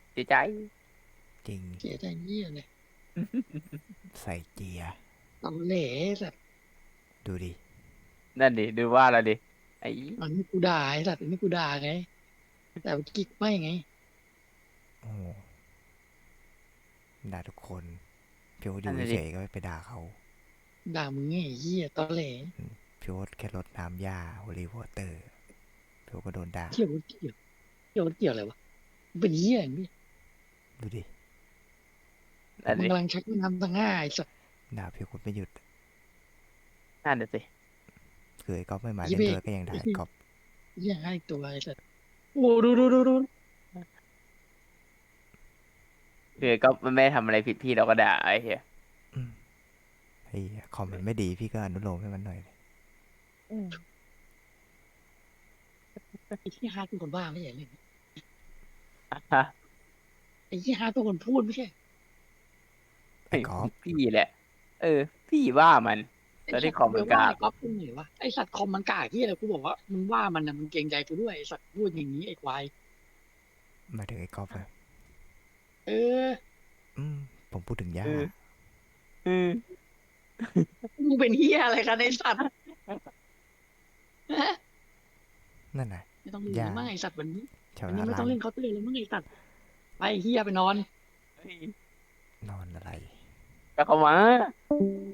เสียใจจริงเสียใจเยี่ยเลยใส่เกียร์ตอแหลสัตว์ดูดินั่นดิดูว่าแล้วดิไอ้อันนี้กูด่าไอ้สัตว์อันนี้กูด่าไงแต่เมื่อกี้ไม่ไงโอ้ด่าทุกคนพี่โอ๊ตอนั่นยู่น่ะดิเฉยๆก็ไม่ไปด่าเขาด่ามึงไงไอ้เหี้ยตอแหลพี่โอ๊ตแค่รดน้ำหญ้าโฮลีวอเตอร์พี่โอ๊ตก็โดนด่าเกี่ยวเกี่ยวเกี่ยวเกี่ยวอะไรวะมึงเป็นเหี้ยอย่างนี้ดูดินั่นดิมึงกำลังชักน้ำตั้งง่ายสัตว์ด่าพี่โอ๊ตไม่หยุดนั่นน่ะสิคือไอ้ก๊อฟไม่มายี่เบกเล่นด้วยก็ยังด่าไอ้ก๊อฟเหี้ยให้ตัวไอ้สัตว์โอ้ดูคือก็ไม่ได้ทำอะไรผิดพี่เราก็ด่าไอ้เหี้ยอืมไอ้คอมมันไม่ดีพี่ก็อนุโลมให้มันหน่อยเลยอืมไอ้ที่ฮาร์ดเป็นคนบ้าไม่ใช่เลยฮะไอ้ที่ฮาร์ดเป็นคนพูดไม่ใช่ไอ้ก๊อฟพี่แหละเออพี่ว่ามันไอ้แล้วที่สัตว์กูไปคอมมันกล้าว่าไอ้ก๊อฟกูเหนื่อยวะไอ้สัตว์คอมมันกากที่อะไรกูบอกว่ามึงว่ามันนะมึงเกรงใจกูด้วยไอ้สัตว์พูดอย่างนี้ไอ้ควายมาถึงไอ้ก๊อฟอะเอออืมผมพูดถึงหญ้าเออเออมึงเป็นเฮียอะไรกันไอ้สัตว์ฮะนั่นน่ะไม่ต้องเล่นหญ้าแล้วมั้งไอ้สัตว์วันนี้ชาววันนี้ไม่นาล้างต้องเล่นเคาน์เตอร์แล้วมั้งไอ้สัตว์ไปเฮียไปนอนเฮ้ยนอนอะไรก็เข้ามา